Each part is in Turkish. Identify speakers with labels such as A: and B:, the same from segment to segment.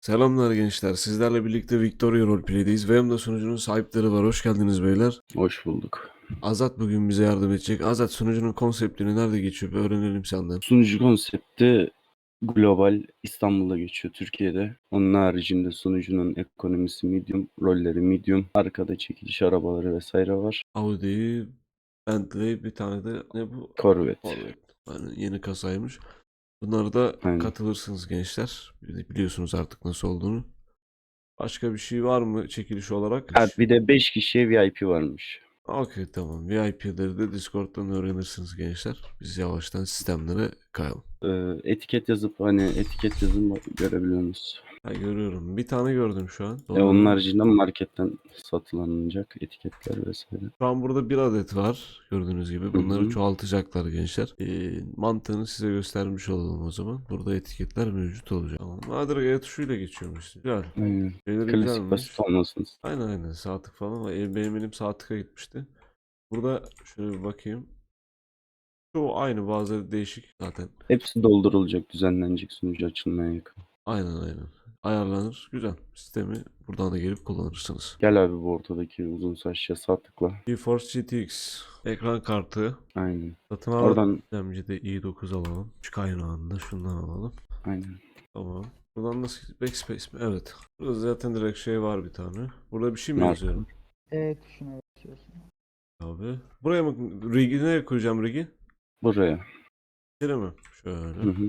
A: Selamlar gençler. Sizlerle birlikte Victoria Roleplay'deyiz. Ve yanımda sunucunun sahipleri var. Hoş geldiniz beyler.
B: Hoş bulduk.
A: Azat bugün bize yardım edecek. Azat, sunucunun konseptini nerede geçiyor? Bir öğrenelim senden.
B: Sunucu konsepti global, İstanbul'da geçiyor, Türkiye'de. Onun haricinde sunucunun ekonomisi medium, rolleri medium, arkada çekiliş arabaları vesaire var.
A: Audi, Bentley, bir tane de ne bu?
B: Corvette.
A: Corvette. Yani yeni kasaymış. Bunlara da
B: Aynen.
A: katılırsınız gençler. Biliyorsunuz artık nasıl olduğunu. Başka bir şey var mı çekiliş olarak?
B: Ha, bir de 5 kişiye VIP varmış.
A: Okey, tamam. VIP'leri de Discord'dan öğrenirsiniz gençler. Biz yavaştan sistemlere kayalım.
B: Etiket yazıp etiket yazın görebiliyorsunuz.
A: Ha, görüyorum. Bir tane gördüm şu an.
B: Onun
A: Doğru.
B: haricinde marketten satılacak etiketler vesaire.
A: Şu an burada bir adet var. Gördüğünüz gibi.
B: Hı
A: Bunları
B: hı.
A: çoğaltacaklar gençler. Mantığını size göstermiş olalım o zaman. Burada etiketler mevcut olacak. Tamam. Nadir G tuşuyla geçiyormuş. Güzel.
B: Aynen.
A: Şeyleri
B: Klasik
A: güzelmiş.
B: basit olmasın.
A: Aynen sağ tık falan var. Benim elim sağ tıka gitmişti. Burada şöyle bir bakayım. Çoğu aynı, bazıları değişik zaten.
B: Hepsi doldurulacak, düzenlenecek, sunucu açılmaya yakın.
A: Aynen. Ayarlanır. Güzel. Sistemi buradan da gelip kullanırsınız.
B: Gel abi bu ortadaki uzun saçlıya sağ tıkla.
A: GeForce GTX ekran kartı.
B: Aynen.
A: Satın
B: Oradan
A: alacağımcı da i9 alalım. Şu kaynağında şundan alalım.
B: aynen.
A: Tamam. Buradan nasıl? Backspace mi? Evet. Burada zaten direkt şey var bir tane. Burada bir şey mi
B: Marka.
A: yazıyorum?
C: Evet tuşuna basıyorsun.
A: Abi. Buraya mı? Rig'i nereye koyacağım rig'i?
B: Buraya.
A: Şöyle mi?
B: Hı
A: Şöyle.
B: hı.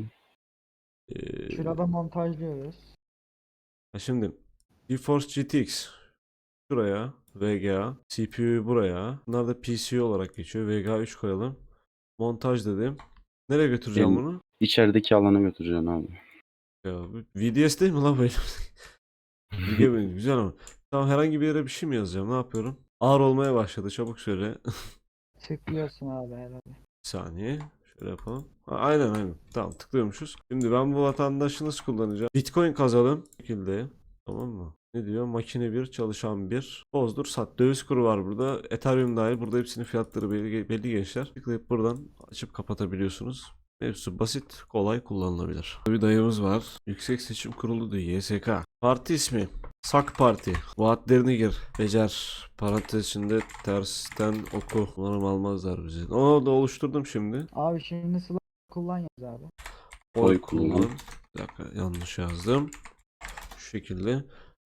C: Şurada montajlıyoruz.
A: Şimdi GeForce GTX şuraya, VGA, CPU buraya. Bunlar da PC olarak geçiyor. VGA 3 koyalım. Montaj dedim. Nereye götüreceğim
B: En
A: bunu?
B: içerideki alana götüreceksin abi.
A: Ya, VDS değil mi lan böyle? Rig'e benim güzel ama. Tamam, herhangi bir yere bir şey mi yazacağım? Ne yapıyorum? Ağır olmaya başladı. Çabuk söyle.
C: Tıklıyorsun abi herhalde.
A: Bir saniye. Şöyle yapalım. Ha, aynen. Tamam, tıklıyormuşuz. Şimdi ben bu vatandaşı nasıl kullanacağım? Bitcoin kazalım. Bu şekilde. Tamam mı? Ne diyor? Makine bir, çalışan bir. Bozdur, sat. Döviz kuru var burada. Ethereum dahil. Burada hepsinin fiyatları belli gençler. Tıklayıp buradan açıp kapatabiliyorsunuz. Hepsi basit, kolay kullanılabilir. Bir dayımız var. Yüksek Seçim Kurulu diyor. YSK. Parti ismi. SAK Parti. Vaatlerini gir. Becer. Parantez içinde tersten oku. Umarım almazlar bizi. Onu da oluşturdum şimdi.
C: Abi şimdi slot kullan yaz abi.
A: Oy
B: Oy kullan.
A: kullan. Bir dakika, yanlış yazdım. Şu şekilde.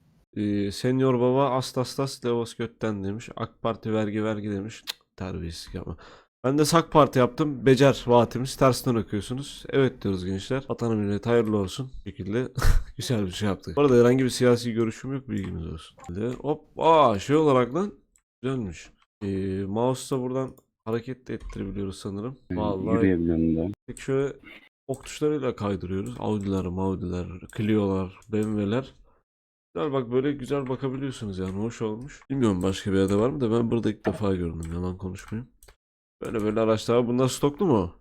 A: Senior baba Astastas Levos götten demiş. AK Parti vergi demiş. Cık, terbiyesizlik yapma. Ben de SAK Parti yaptım. Becer vaatimiz. Tersten okuyorsunuz. Evet diyoruz gençler. Vatana millet hayırlı olsun. Bu şekilde güzel bir şey yaptık. Bu arada herhangi bir siyasi görüşüm yok. Bilginiz olsun. Hop. Şey olarak lan. Güzelmiş. Mouse'la buradan hareket de ettirebiliyoruz sanırım. Vallahi.
B: Yürüyebiliyorum da.
A: Peki şöyle ok tuşlarıyla kaydırıyoruz. Audi'ler, Clio'lar, BMW'ler. Güzel, bak böyle güzel bakabiliyorsunuz yani, hoş olmuş. Bilmiyorum başka bir yerde var mı da ben burada ilk defa gördüm, yalan konuşmayayım. Böyle araçlar, bunlar stoklu mu?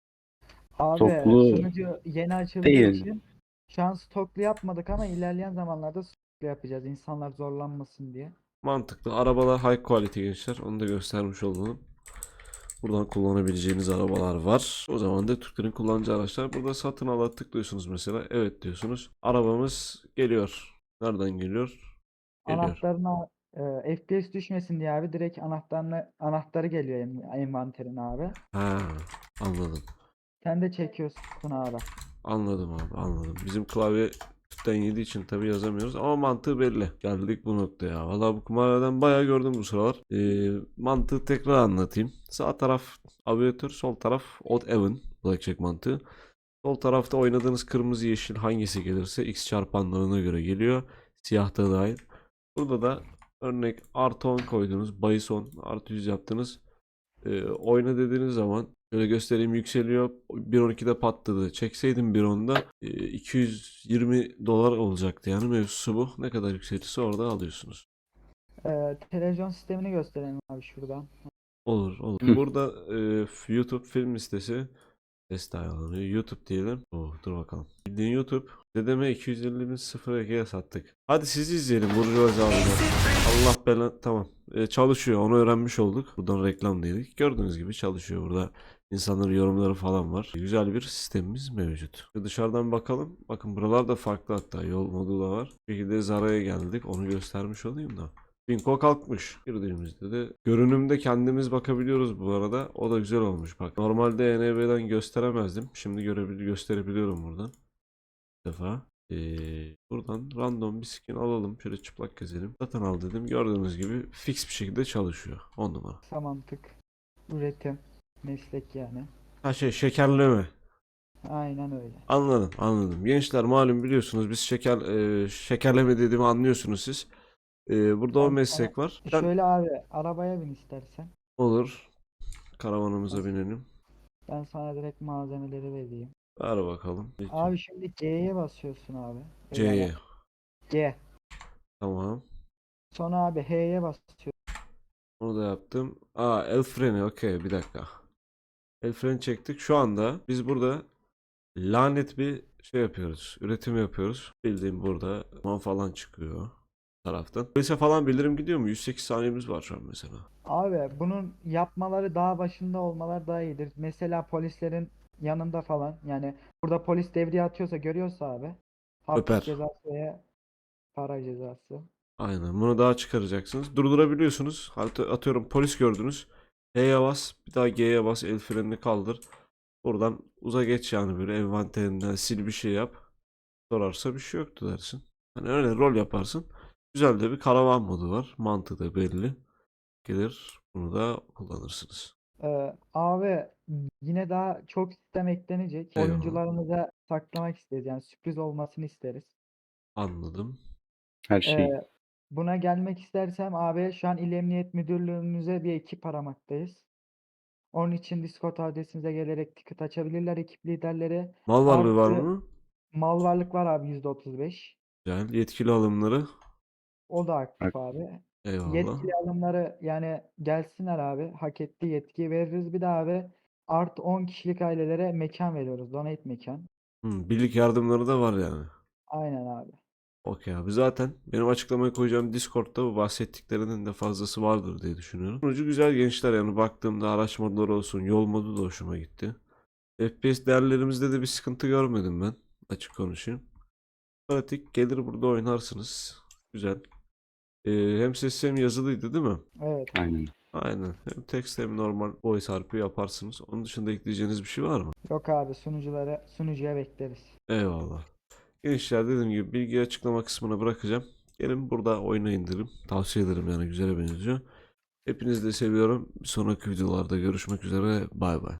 C: Abi
B: Toplu
C: sunucu yeni açıldığı
B: değil.
C: için şu an stoklu yapmadık ama ilerleyen zamanlarda stoklu yapacağız. İnsanlar zorlanmasın diye.
A: Mantıklı. Arabalar high quality gençler. Onu da göstermiş olalım. Buradan kullanabileceğiniz arabalar var. O zaman da Türklerin kullanacağı araçlar. Burada satın ala tıklıyorsunuz mesela. Evet diyorsunuz. Arabamız geliyor. Nereden geliyor? Geliyor.
C: Anahtarına FPS düşmesin diye abi direkt anahtarı geliyor envanterine abi.
A: Ha, anladım.
C: Sen de çekiyorsun abi.
A: Anladım. Bizim klavye tüpten yediği için tabi yazamıyoruz ama mantığı belli. Geldik bu noktaya. Valla bu kumarhaneden bayağı gördüm bu sıralar. Mantığı tekrar anlatayım. Sağ taraf aviatör, sol taraf odd even blackjack mantığı. Sol tarafta oynadığınız kırmızı yeşil hangisi gelirse x çarpanlarına göre geliyor. Siyah da dahil. Burada da örnek artı 10 koydunuz. Bahis 10 artı 100 yaptınız. Oyna dediğiniz zaman şöyle göstereyim, yükseliyor. 1.12'de patladı. Çekseydim 1.10'da 220 dolar olacaktı. Yani mevzusu bu. Ne kadar yükselirse orada alıyorsunuz.
C: Televizyon sistemini gösterelim abi şuradan.
A: Olur.
B: Hı.
A: Burada YouTube film listesi test ayarlanıyor. YouTube diyelim. Dur bakalım. Bildiğin YouTube. Dedeme 250 bin 0 Ege'ye sattık. Hadi sizi izleyelim. Burjuvazi abiler. Allah belanı. Tamam. Çalışıyor. Onu öğrenmiş olduk. Buradan reklam dedik. Gördüğünüz gibi çalışıyor burada. İnsanların yorumları falan var. Güzel bir sistemimiz mevcut. Dışarıdan bakalım. Bakın buralar da farklı, hatta yol modu da var. Bir şekilde Zara'ya geldik. Onu göstermiş olayım da. Binko kalkmış. Girdiğimizde de görünümde kendimiz bakabiliyoruz bu arada. O da güzel olmuş bak. Normalde ENB'den gösteremezdim. Şimdi gösterebiliyorum buradan. Bir defa. Buradan random bir skin alalım. Şöyle çıplak gezelim. Zaten al dedim. Gördüğünüz gibi fix bir şekilde çalışıyor. 10 numara.
C: Kısa mantık. Üretim. Meslek yani.
A: Ha şekerleme.
C: Aynen öyle.
A: Anladım, anladım. Gençler malum biliyorsunuz biz şekerleme dediğimi anlıyorsunuz siz. Burada o
C: Ben sana
A: meslek var. Ben
C: şöyle abi arabaya bin istersen.
A: olur. Karavanımıza
C: Ben,
A: binelim.
C: ben sana direkt malzemeleri vereyim.
A: Ver bakalım.
C: Abi şimdi G'ye basıyorsun abi.
A: C'ye.
C: G.
A: Tamam.
C: Sonra abi H'ye basıyorsun.
A: Onu da yaptım. El freni. Okey, bir dakika. El freni çektik. Şu anda biz burada lanet bir şey yapıyoruz. Üretim yapıyoruz. Bildiğim burada man falan çıkıyor taraftan. Polise falan bildirim gidiyor mu? 108 saniyemiz var şu an mesela.
C: Abi bunun yapmaları daha başında olmalar daha iyidir. Mesela polislerin yanında falan yani burada polis devriye atıyorsa görüyorsa abi hapis
A: Öper.
C: cezası veya para cezası.
A: Aynen. Bunu daha çıkaracaksınız. Durdurabiliyorsunuz. Atıyorum polis gördünüz. H'ye bas. Bir daha G'ye bas. El frenini kaldır. Buradan uza geç yani, böyle envanterinden sil bir şey yap. Sorarsa bir şey yoktu dersin. Hani öyle rol yaparsın. Güzel de bir karavan modu var. Mantığı da belli. Gelir bunu da kullanırsınız.
C: Abi yine daha çok sistem eklenecek.
A: Eyvallah.
C: Oyuncularımıza saklamak isteriz. Yani sürpriz olmasını isteriz.
A: Anladım.
B: Her şey.
C: Buna gelmek istersem abi şu an İl Emniyet Müdürlüğümüze bir ekip aramaktayız. Onun için Discord adresimize gelerek ticket açabilirler ekip liderleri.
A: Mal varlığı var
C: Artı
A: mı?
C: mal varlık var abi %35.
A: Güzel. Yetkili alımları.
C: O da aktif
B: Bak,
C: abi.
A: Eyvallah.
C: Yetkili alımları yani gelsinler abi. Hak ettiği yetkiyi veririz. Bir de abi artı 10 kişilik ailelere mekan veriyoruz. Donate mekan.
A: Birlik yardımları da var yani.
C: Aynen abi.
A: Okey abi, zaten benim açıklamaya koyacağım Discord'da bu bahsettiklerinin de fazlası vardır diye düşünüyorum. Sonucu güzel gençler, yani baktığımda araç modları olsun, yol modu da hoşuma gitti. FPS değerlerimizde de bir sıkıntı görmedim ben, açık konuşayım. Pratik, gelir burada oynarsınız. Güzel. Hem sesli hem yazılıydı değil mi?
C: Evet.
B: Aynen.
A: Aynen. Hem text hem normal voice harfi yaparsınız. Onun dışında ekleyeceğiniz bir şey var mı?
C: Yok abi sunucuya bekleriz.
A: Eyvallah. Gençler dediğim gibi bilgi açıklama kısmına bırakacağım. Gelin burada oynayın derim. Tavsiye ederim, yani güzele benziyor. Hepinizi de seviyorum. Bir sonraki videolarda görüşmek üzere. Bay bay.